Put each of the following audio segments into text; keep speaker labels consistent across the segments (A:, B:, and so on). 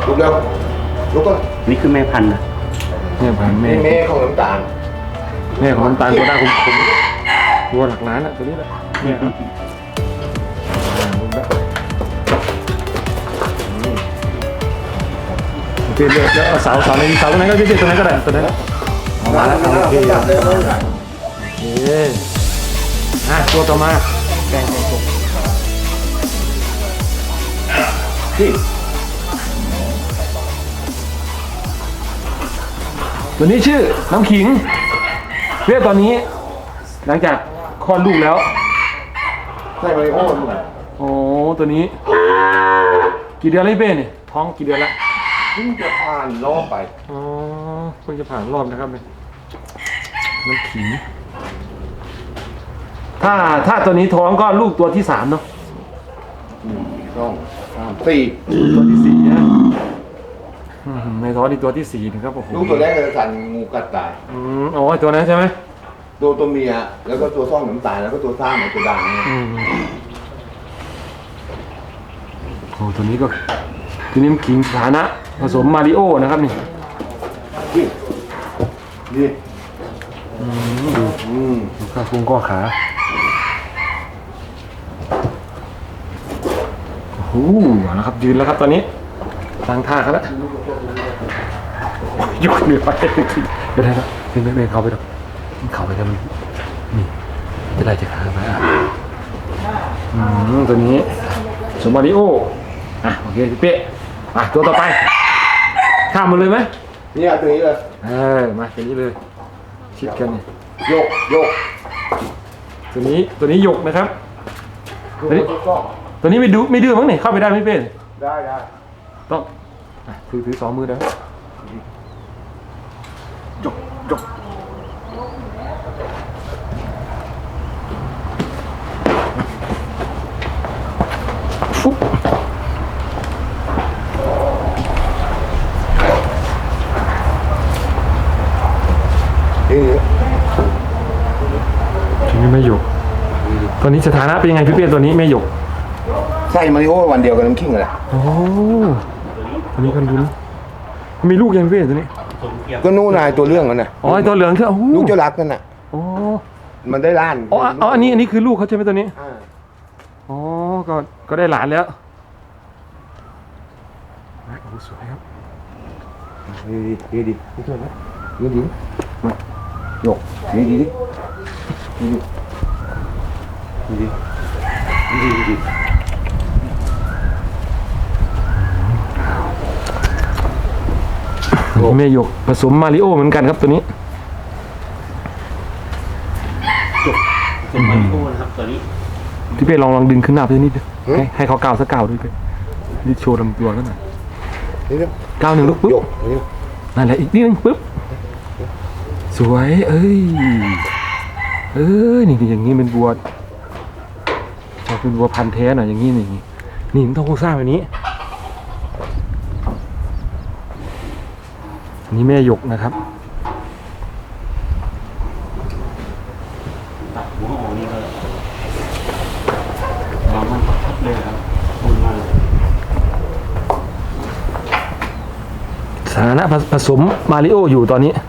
A: ลุกแล้วลุกก็
B: นี่คือแม่พันธุ์นะ
C: แม่พันธุ์แม่
A: แม่ของน้ำตาล
C: แม่ของน้ำตาลตัวหน้าคมตัวหลักล้านอะตัวนี้แหละเนี่ยครับโอเคเดี๋ยวเอาเสาในเสาตรงนั้นก็ได้ตัวนั้นก็ได้ตัวนั้นเอามาแล้วโอเคตัวต่อมาแกงตกนี่ตัวนี้ชื่อน้ำขิงเพื่อตอนนี้หลังจากคลอดลูกแล้ว
A: ใช่ไหมโอ้ลูก
C: โอ้ตัวนี้กี่เดือนแล้วเป้เนี่ยท้องกี่เดือนแล้ว
A: เพิ่งจะผ่านรอบไป
C: อ๋อเพิ่งจะผ่านรอบนะครับเนี่ยน้ำขิงถ้าตัวนี้ท้องก็ลูกตัวที่3เนาะ
A: 2 3 4
C: ตัวที่4นะในท้องนี่ตัวที่4นะครับโอ้โห
A: ลูกตัวแรกจะสั่นงูกัดตาย
C: อ๋อตัวนั้นใช่ไหม
A: ตัวเมียแล้วก็ตัวซ่องน้ำตาลแล้วก็ตัวซ่าเหมือนตัวด่าง
C: โอ้ตัวนี้ก็ตัวนี้ขิงฐานะผสมมาริโอนะครับนี่
A: ดู
C: ข้าพุงก้อขาโอ้โหนะครับยืนแล้วครับตอนนี้ตั้งท่าครับแล้วยุกเหนือไปเดี๋ยวได้แล้วเดินเข้าไปดูเข้าไปแล้วมันนี่จะได้จะขาไปตัวนี้สมมาริโอโอเคพี่เป๊ะตัวต่อไปข้ามมาเลยไหม
A: นี่ตัวนี้เลย
C: มาตัวนี้เลยชิดกัน
A: โยก
C: ตัวนี้หยกนะครับตัวนี้ไม่ดื้อมั้งเนี่ยเข้าไปได้ไหมเป้
A: ได้
C: ต้องถือ2 มือได้หยกฟุ๊บนี่ไม่หยกตอนนี้สถานะเป็นยังไงพี่เปี้ยตัวนี้ไม่หยก
A: ใส่มาริโอวันเดียวกับน้ำขิงเลย
C: โอ้ตัวนี้กันลุ้นมีลูกยังพี่เปี้ยตัวนี้
A: ก็นู่นนายตัวเรื่องกันนะ
C: อ๋อตัวเหลืองคือ
A: ลูกเจ้ารักกันน่ะมันได้ล้าน
C: อันนี้คือลูกเขาใช่ไหมตัวนี้อ๋อก็ได้หลานแล้วโอ้สวยครับ
A: ดีไม่ช่วยนะดีมาหยกดี
C: แม่หยกผสมมาริโอเหมือนกันครับตัวนี้
B: ผสมมาริโอนะครับตัวนี้
C: พี่เป้ลองดึงขึ้นหน้าไปนิดให้เขาก้าวสักก้าวด้วยไปนี่โชว์ลำตัวกันหน่อยก้าว1 ลูกปุ๊บนั่นแหละอีกนิดนึงปุ๊บสวยนี่อย่างนี้เป็นบัวชอบเป็นบัวพันธุ์แท้หน่อยอย่างนี้นี่มันต้องโครงสร้างแบบนี้นี่แม่หยกนะครับ
B: ตัดหัวออกนี่ก็วางมันทับเลยครับคุณมา
C: สถานะผสมมาริโออยู่ตอนนี้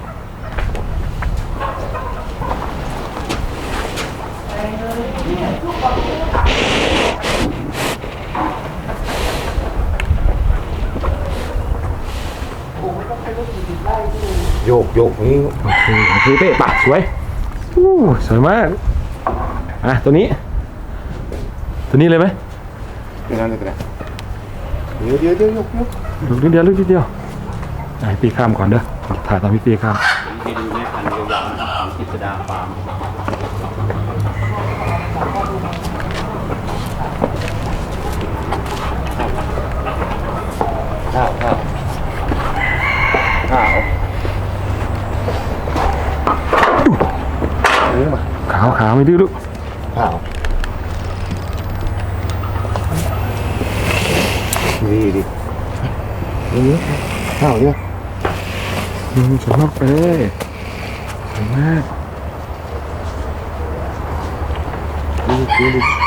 A: โยกนี่
C: โอเคเป๊ะปะสวยสวยมากตัวนี้เลยไหม
A: นั่นเลยก็ได้เดี๋ยว
C: ลูกนิดเดียวปีข้ามก่อนเด้อถ่ายตอนพี่ปีข้าม
B: ไปดูแม่พันธุ์ยาวๆของกิษดาฟาร์ม
C: ขาวไม่ดื้อลูก
A: ดีนี่ข้าวเนี่ย
C: สวยมากสวยมาก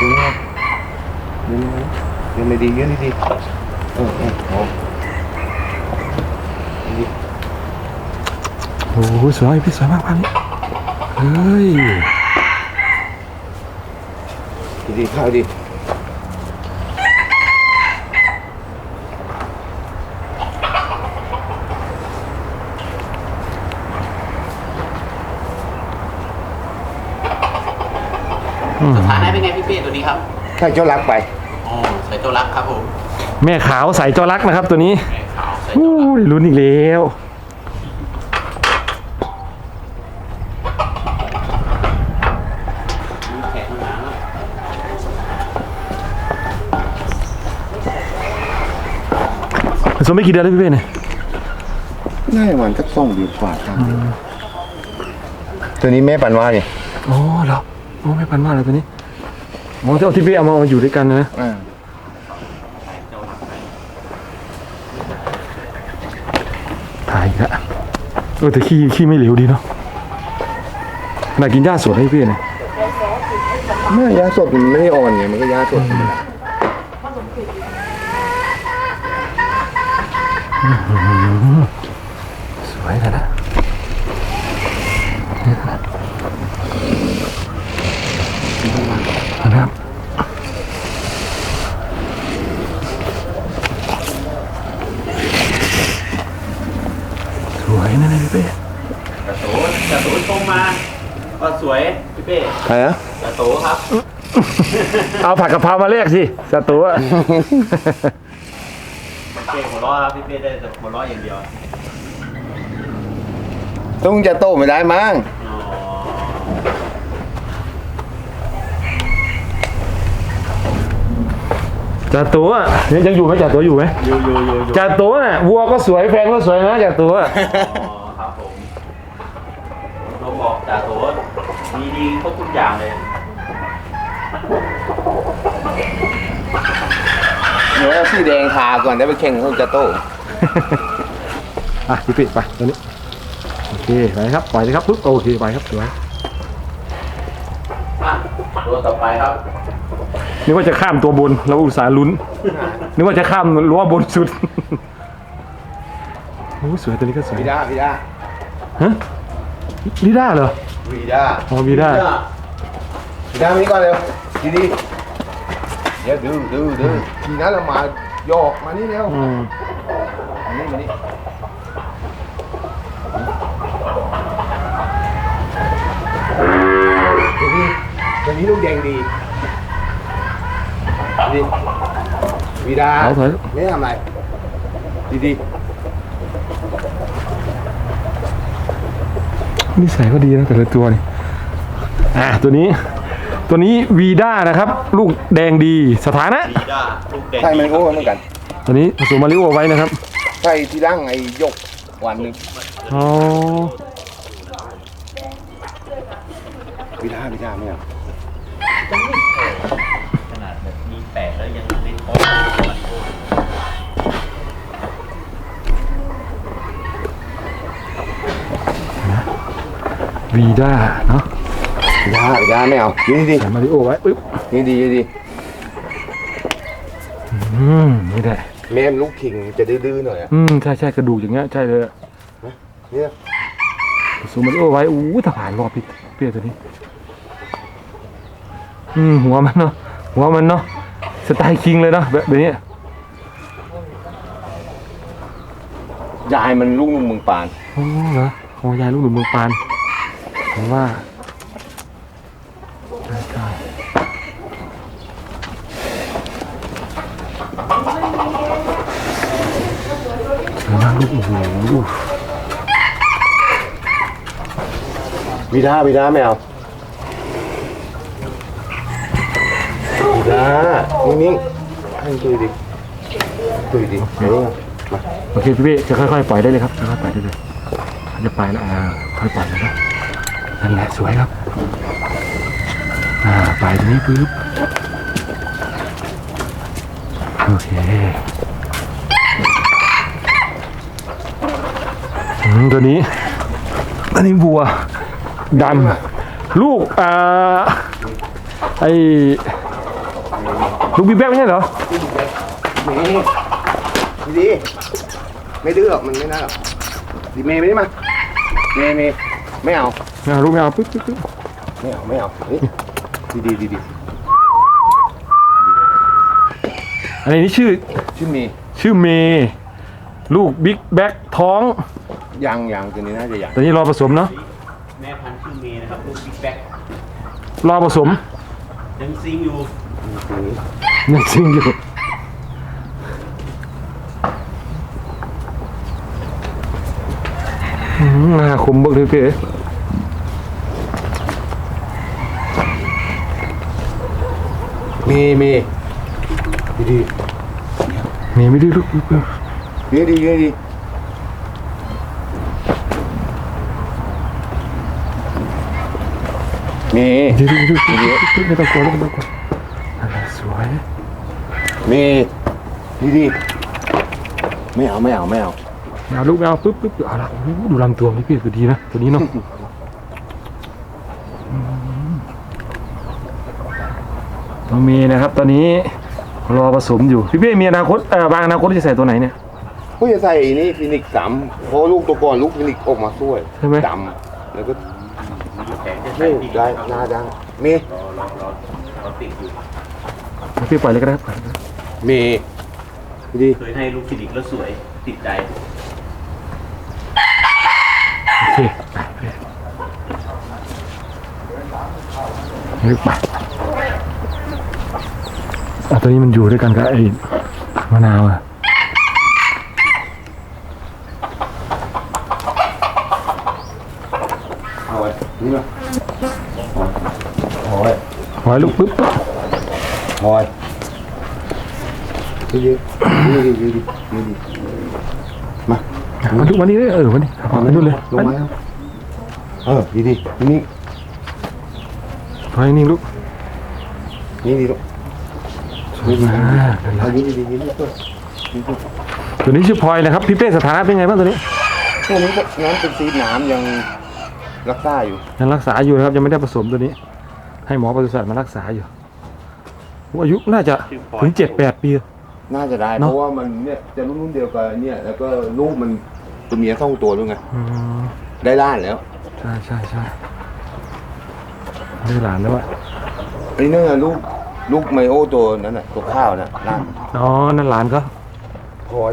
A: ดียังไม่ดี
C: หสวยพี่สวยมากภาพนี้เฮ้ย
A: ดีเข้าดี
B: สถานะเป็นไงพี่เป้ตัวนี้ครับ
A: ถ้าเจ้ารักไป
B: อ๋อใส่ตัวรักครับผม
C: แม่ขาวใส่จอรักนะครับตัวนี้
B: แม่ขาวใส่
C: อู้
B: ตัวรัก
C: ได้ลุ้นอีกแล้ว
B: มีแขนข้างหลังแล้ว
C: ผสมไม่กี่เดือนแล้วพี่เป้เนี่ย
A: น่าจะมันสัก2 เดือนกว่าครับตัวนี้แม่ปันว่าเนี่ย
C: อ๋อเหรอโอ้ไม่พันมากเลยตัวนี้มองที่เอาที่เป้เอามาอยู่ด้วยกันนะ
B: เจ้ารักไป
C: ถ่ายอีกแล้วแต่ขี้ไม่เหลวดีเนาะน่ากินหญ้าสดให้พี่เนี่ย
A: เมื่อยาสดมันไม่ได้อ่อนไงมันก็ยาสดธรรมดา
C: สวยเลยนะนะครับสวยนะเนี่ยพี่เป้
B: กระโตชมมาก็สวยพี่เป้
A: ใครนะ
B: กระโตครับ
C: เอาผักกะเพรามาแลกสิสตูอะ
B: พี่เป้หัวเราะครับพี่เป้ได้แต่หัวเราะอย่างเดียว
A: ต้องจะโตไม่ได้มั้ง
B: อ๋อ
C: จ่าตัวอะยังอยู่ไหมจ่าตัวอยู่ไหม
B: อยู่
C: จ่าตัวน่ะวัวก็สวยแฟนก็สวยนะจ่าตัวอะ
B: อ๋อครับผมเราบอกจ่าโตมีดีครบทุกอย่างเลย
A: เดี๋ยวเอาสีแดงทาก่อนได้ไปแข่งเขาจะโต
C: อ่ะพี่ปิดไปตัวนี้โอเคไปครับปล่อยเลยครับปุ๊บโอเคไปครับสวย
B: อ่ะตัวต่อไปครับ
C: นึกว่าจะข้ามตัวบนเราอุตส่าห์ลุ้นนึกว่าจะข้ามรั้วบนสุดโอ้สวยตัวนี้ก็สวย
A: วีด้า
C: ฮะลิด้าเหรอ
A: วีด้า
C: อ๋อวีด้า
A: วีด้ามานี่ก่อนเร็วดีเดี๋ยวดูทีนั้นเรามาโยกมานี่เร็ว
C: อืม
A: มานี่ตัวนี้ลูกแดงดีวีด้า
C: เอาเถอะ
A: ไม่ทำอะไรดี
C: นิสัยก็ดีนะแต่ละตัวนี่ตัวนี้วีด้านะครับ ลูกแดงดีสถานะ
B: ดีด้าลูกแดง
A: ใช่มันโอ้เหมือนกัน
C: ตัวนี้ผสมมาริโอไว้นะครับ
A: ใช่ที่ร่างไอ้ยกวันหนึ่ง
C: อ๋อ
A: วีด้าไม่เอา
B: ขนาดแบบมีแปะแล้วยังเล่นโค้ชมันโค้ช
C: วีด้าเนาะ
A: วีด้าไม่เอาดี
C: ใส่มาริโอไว้ปึ๊บ
A: ดี
C: นี่แหละ
A: แม่มลูกคิงจะดื้อๆหน่อยอ่ะ
C: ใช่กระดูกอย่างเงี้ยใช่เลยอะ
A: เนี่ย
C: ผสมมาริโอไว้ถ้าผ่านรอบพี่เปี้ยตัวนี้หัวมันเนาะสไตล์คิงเลยเนาะแบบนี้
A: ยายมันลูกนุ่มเมืองปาน
C: โอ้เหรอโอ้ยายลูกหนุ่มเมืองปานผมว่าใช่นะลูกโอ้โห
A: วีด้าไม่เอาวีด้านิ่งๆให้ตุยดิมา
C: โอเคพี่จะค่อยๆปล่อยได้เลยครับค่อยๆปล่อยได้เลยเขาจะไปแล้วค่อยปล่อยแล้วนะนั่นแหละสวยครับปล่อยตรงนี้ปึ๊บโอเคตัวนี้อันนี้บัวดำลูกลูกบีแบ๊กไม่ใช่เหรอ
A: ดีไม่ดื้อหรอกมันไม่น่าหรอกดีเมย์ไม่ได้มามีไม่เอา
C: ไม่เอาลูกไม่เอาปึ๊บปึ๊บปึ๊บ
A: ไม่เอานี่ดี
C: อันนี้ชื่อ
A: ชื่อเมย์
C: ชื่อเมย์ลูกบิ๊กแบ็คท้อง
A: ยังตัวนี้น่าจะยัง
C: ตอนนี้รอผสมเนาะ
B: แม่พันธุ์ชื่อเมย์นะครับลูกบิ๊กแบ็ค
C: รอผสม
B: ยังซิงอยู่
A: ตัวนี้
C: ยังจริงอยู่หน้าคมบักเลยพี่เอ๋
A: เมย์ดี
C: เมย์ไม่ดื้อลูก
A: ดีเมย์
C: ดื้อไม่ต้องกลัวลูกไม่ต้องกลัวอะไรสวย
A: เมย์ดีไม่เอา
C: ไม่เอาลูกไม่เอาปึ๊บปึ๊บเอาละโอ้โหดูลำตัวนี่พี่คือดีนะตัวนี้เนาะตัวเมย์นะครับตอนนี้รอผสมอยู่พี่เป้มีอนาคตบางอนาคตจะใส่ตัวไหนเนี่ย
A: ผู้จะใส่นี่ฟินิกซ์3เพราะลูกตัวก่อนลูกฟินิกซ์ออกมาสวย
C: ใช่ไหม
A: ดำแล้วก็
B: แผงจะใส่ดี
A: ได้หน้าดังเมย์
B: รอติดอยู่
C: พี่ปล่อยเลยก็ได้ครับ
A: เมย์ดี
B: เคยให้ลูกฟินิกซ์แล้วสวยติดใจ
C: โอเคลึกไปตัวนี้มันอยู่ด้วยกันกับไอ้มะนาวอะ
A: เอาไว้นี่มาเอาไว้
C: ปล่อยลูกปึ๊บ
A: เอาไว้ดีมา
C: มาดูวันนี้เลยวันนี้มาดูเลย
A: ลงมาดีนี่
C: ปล่อยนิ่งลูก
A: นี่ดีลูกนี่ดีตัว
C: ตัวนี้ชื่อพลอยนะครับพี่เป้สถานะเป็นไงบ้างตัวนี้
A: ตัวนี้น้ำเป็นซีดน้ำยังรักษาอยู่
C: ยังรักษาอยู่นะครับยังไม่ได้ผสมตัวนี้ ให้หมอปศุสัตว์มารักษาอยู่อายุน่าจะถึง7-8 ปี
A: น่าจะได้เพราะว่ามันเนี่ยจะรุ่นเดียวกันเนี่ยแล้วก็ลูกมันตัวเมีย2ตัวด้วยไงได้ล้านแล้ว
C: ใช่ได้หลานแล้วอะ
A: ไอ้นั่นลูกไมโอตัวนั้นน่ะตัวข้าวน่ะล้าน
C: อ๋อนั่นหลานก็
A: พลอย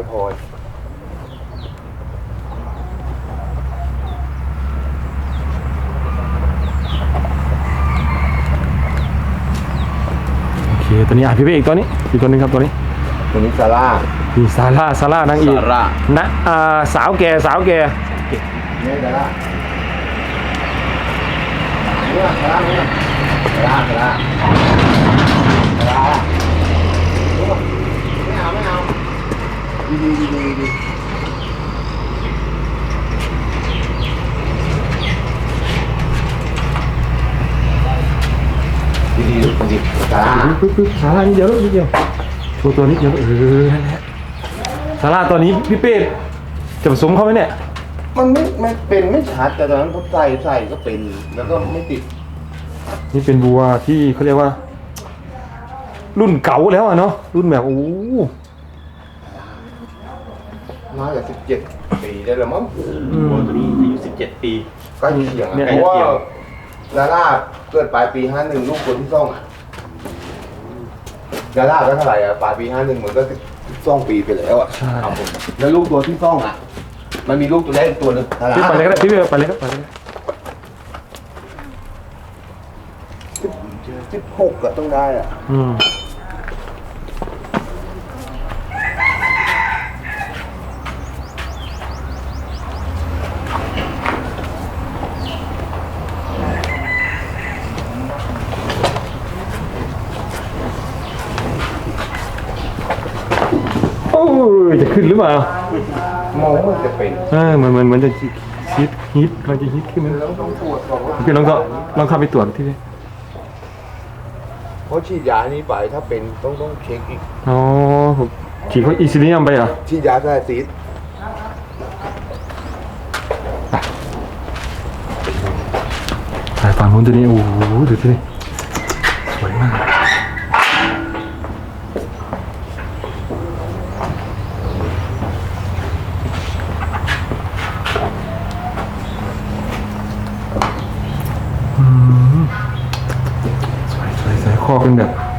C: โอเคตัวนี้พี่เป้อีกตัวนี้อีกตัวนึงครับตัวนี้
A: ตัวนี้ซาร่า
C: พี่ซาร่านางเอก
A: ซาร่า
C: นะสาวแก่
A: เนี่ยซาร่าเนี่ยซาร่าไม่เอาดีซาร่า
C: ปึ๊บซาร่านี่เดียวนิดเดียวโชว์ตัวนิดเดียวนั่นแหละซาร่าตัวนี้พี่เป้จะผสมเขาไหมเนี่ย
A: มันไม่เป็นไม่ชัดแต่ตอนนั้นผมใส่ก็เป็นแล้วก็ไม่ติด
C: นี่เป็นบัวที่เขาเรียกว่า รุ่นเก่าแล้วอะเนาะรุ่นแบบโอ้
A: น่าจะ17 ปีได้แล้วมั้ง
B: วัวตัวนี้อายุ17 ปี
A: ใกล้เคียงเพราะว่าดาร่าเกิดปลายปี51ลูกคนที่ซ่องดาร่าก็เท่าไหร่ปลายปี51เหมือนก็12 ปีไปแล้วครับผมแล้วลูกตัวที่ซ่องมันมีลูกตัวแรกตัวนึงดาร่า
C: พี่ไปเลยก็ได้พี่ไปเลยก็ไปเลย
A: 16ก็ต้องได้อ่ะ
C: โอ้ยจะขึ้นหรือเปล่าม
A: องว่าจะเป็น
C: เหมือนจะฮิตกำลังจะฮิตขึ้นนะ
A: แล้วต้องตรวจก่อนว่า
C: พี่ลองเข้าไปตรวจที่นี่
A: เพราะฉีดยานี้ไปถ้าเป็นต้องเช็คอีก
C: อ๋อผมฉีดเขาอีซิเนียมไปเหรอ
A: ฉีดยาแค่ซีด
C: สายฝั่งนู้นตัวนี้โอ้โหดูที่นี่สวยมากเป็นแบบ